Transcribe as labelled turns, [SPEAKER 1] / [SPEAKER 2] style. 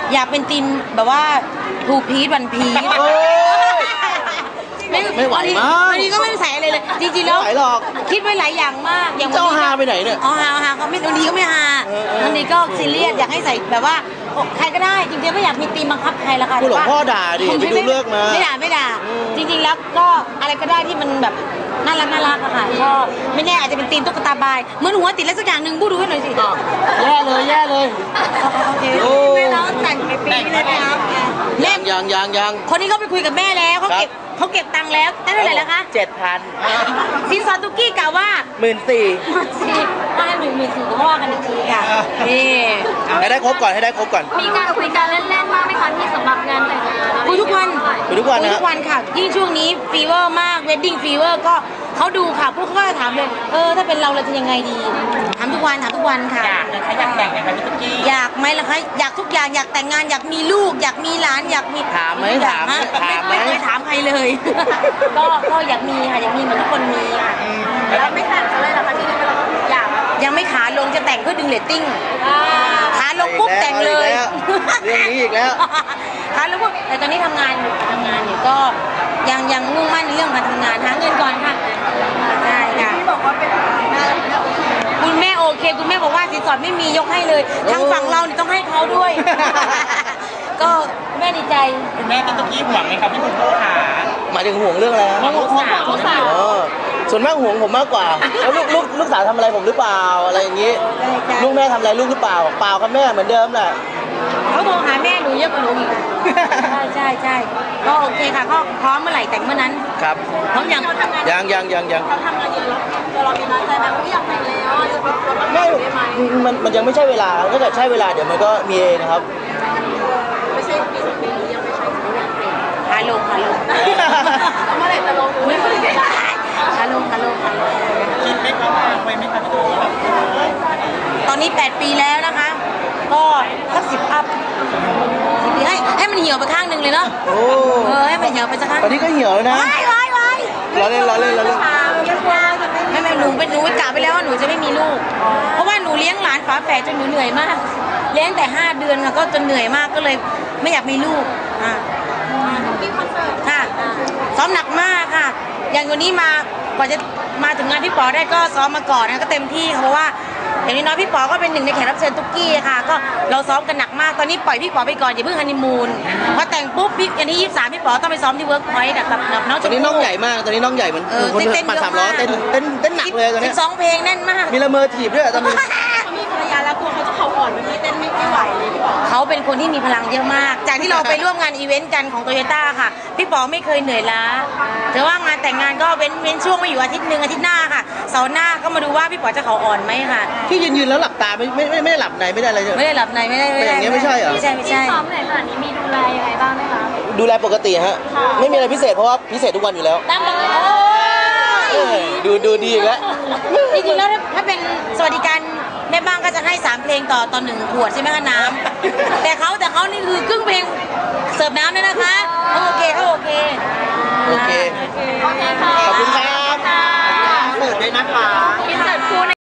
[SPEAKER 1] อยากเป็นทีมแบบว่าทูพีชวันพีช
[SPEAKER 2] ไม่ไหวมาก
[SPEAKER 1] วันนี้ก็ไม่ใส่อะไรเลยจริงๆแล้วคิดไว้หลายอย่างมาก
[SPEAKER 2] อย่างวันนี้ฮาไปไหนเนี่ย
[SPEAKER 1] ฮาเขาไม่วันนี้ก็ไม่ฮาวันนี้ก็ซีเรียสอยากให้ใส่แบบว่าใครก็ได้จริงๆไม่อยากมีทีมบังคับใครละค่ะ
[SPEAKER 2] คุณหลวงพ่อด่าดิไปดูเลิกมา
[SPEAKER 1] ไม่ด่าจริงๆแล้วก็อะไรก็ได้ที่มันแบบน่ารักอะค่ะก็ไม่แน่อาจจะเป็นทีมตุ๊กตาบายเหมือนหัวติดแล้วสักอย่างหนึ่งพูดดูให้หน่อยสิ
[SPEAKER 2] แย่เลย
[SPEAKER 1] โอเคแม่น้องแต่งไปปีนี้เลยนะครับ
[SPEAKER 2] ยัง
[SPEAKER 1] คนนี้เขาไปคุยกับแม่แล้วเขาเก็บตังค์แล้วได้เท่าไหร่แล้วคะ
[SPEAKER 2] 7,000
[SPEAKER 1] สินสอดตุกกี้กล่าวว่า14,000ให้14,000ก็ว่ากันอีกทีค่ะนี่
[SPEAKER 2] ให้ได้ครบก่อน
[SPEAKER 3] มีการคุยกันเล่นๆบ้างไหมคะที่สำหรับงานแต่งงาน
[SPEAKER 1] คุยทุกวันค่ะยิ่งช่วงนี้ฟีเวอร์มากเวดดิ้งฟีเวอร์ก็เขาดูค่ะพวกเขาก็ถามเลยถ้าเป็นเราจะยังไงดีถามทุกวันค่ะ
[SPEAKER 2] อยากแต่งไหมคะพี่ตุ๊กกี้
[SPEAKER 1] อยากไหมล่ะคะอยากทุกอย่างอยากแต่งงานอยากมีลูกอยากมีหลานอยากมี
[SPEAKER 2] ถามไหม
[SPEAKER 1] ไม่เคยถามใครเลยก็อยากมีค่ะอยากมีเหมือนทุกคนมีค่ะ
[SPEAKER 3] แล้วไม่แต่งอะไรหรอคะที่นี่เราอยาก
[SPEAKER 1] ยังไม่ขาลงจะแต่งเพื่อดึงเรตติ้งขาลงปุ๊บแต่งเลย
[SPEAKER 2] เรื่องนี้อีกแล้ว
[SPEAKER 1] ขาลงปุ๊บแต่ตอนนี้ทำงานอยู่ก็ยังมุ่งมั่นในเรื่องการทำงานหาเงินก่อนค่ะใช่ค่ะ
[SPEAKER 3] ที่บอกว่าเป็น
[SPEAKER 1] คุณแม่โอเคคุณแม่บอกว่าสินสอดไม่มียกให้เลยทางฝั่งเราต้องให้เขาด้วยก็แม่ดีใจ
[SPEAKER 2] คุณแม่ตุ๊กกี้ห่วงไหมครับพี่คุณพ่อขาหมายถึงห่วงเรื่องอะไร
[SPEAKER 1] ห่วงลูกสาว
[SPEAKER 2] ส่วนมากห่วงผมมากกว่าแล้วลูกสาวทำอะไรผมหรือเปล่าอะไรอย่างนี้ลูกแม่ทำอะไรลูกหรือเปล่าเปล่าครับแม่เหมือนเดิมแหละ
[SPEAKER 1] เขาโทรหาแม่หนูเยอะกว่าหนูอีกใช่ก็โอเคค่ะก็พร้อมเมื่อไหร่แต่งเมื่อนั้น
[SPEAKER 2] ครับ
[SPEAKER 1] พร้อมยัง
[SPEAKER 3] เขาทำงานเยอะแล้วเรามีน้อยใจไหมว่าอยากแต่งแล้ว
[SPEAKER 2] มันยังไม่ใช่เวลาถ้าเกิดใช่เวลาเดี๋ยวมันก็มีเองนะครับ
[SPEAKER 3] ไม่ใช่ปี2 ปีนี้ยังไม่ใช่
[SPEAKER 1] หาลง
[SPEAKER 3] เมื่อไหร่จะลงไม่ได้
[SPEAKER 1] หาลง
[SPEAKER 2] คิดไหมครับไว้ไหมครับ
[SPEAKER 1] ตอนนี้8 ปีแล้วนะคะก็สัก10 อัพให้มันเหี่ยวไปข้างหนึ่งเลยเนาะให้มันเหี่ยวไปสักข้าง
[SPEAKER 2] ตอนนี้ก็เหี่ยวแล้วนะ
[SPEAKER 1] ไว้
[SPEAKER 2] เราเล่น
[SPEAKER 1] ไม่หนูไม่กะไปแล้วว่าหนูจะไม่มีลูกเพราะว่าหนูเลี้ยงหลานฝาแฝดจนหนูเหนื่อยมากเลี้ยงแต่5 เดือนค่ะก็จนเหนื่อยมากก็เลยไม่อยากมีลูกค่ะซ้อมหนักมากค่ะอย่างวันนี้กว่าจะมาถึงงานพี่ป๋อได้ก็ซ้อมมาก่อนนะก็เต็มที่ค่ะเพราะว่าอย่างน้อยพี่ป๋อก็เป็นหนึ่งในแขกรับเชิญตุ๊กกี้ค่ะก็เราซ้อมกันหนักมากตอนนี้ปล่อยพี่ป๋อไปก่อนอย่าเพิ่งฮันนีมูนพอแต่งปุ๊บอย่างที่23พี่ป๋อต้องไปซ้อมที่เวิร์กพอยต์กับน้อง
[SPEAKER 2] ตอนนี้น้องใหญ่มากตอนนี้น้องใหญ่เหมือนคนปั่น3 ล้อเต้นหนักเลยตอนนี้
[SPEAKER 1] 12 เพลงแน่นมาก
[SPEAKER 2] มีละเมอถีบด้วยตอนนี้
[SPEAKER 3] เขามีภรรยาแล้วกลัวเขาจะเข่าอ่อนวันนี้เต้นไม่ไหวเลยพี่ป๋อ
[SPEAKER 1] เขาเป็นคนที่มีพลังเยอะมากจากที่เราไปร่วมงานอีเวนต์กันของโตโยต้าค่ะพี่ป๋อไม่เคยเหนื่อยล้าแต่ว่างานแต่งงานก็เว้นช่วงมาอยู่อาทิตย์หน้าค่ะเสาร์หน้าก็มาดูว่าพี่ป๋อจะเข่าอ่อนไหมค่ะ
[SPEAKER 2] ที่ยืนแล้วหลับตาไม่ได้หลับในไม่ได้อะไรเลย
[SPEAKER 1] ไม่ได้หลับในไม่ได้
[SPEAKER 2] อย่างเงี้ยไม่ใช่เหรอ
[SPEAKER 1] ไม่ใช่
[SPEAKER 3] ซ้อมไหนขนาดนี้มีดูแลยังไงบ้างไหมคะ
[SPEAKER 2] ดูแลปกติฮะไม่มีอะไรพิเศษเพราะว่าพิเศษทุกวันอยู่แล้ว
[SPEAKER 1] ตามปกติ
[SPEAKER 2] ดูดีอีกแล้ว
[SPEAKER 1] จริงๆแล้วถ้าเป็นสวัสดิการแม่บ้านก็จะให้3 เพลงต่อ1 ขวดใช่ไหมคะน้ำแต่เขานี่คือครึ่งเพลงเสิร์ฟน้ำด้วยนะคะโอเค
[SPEAKER 2] ค่ะ
[SPEAKER 3] ขอบคุณ
[SPEAKER 2] ครับเสิร์ฟด้วยนะคะ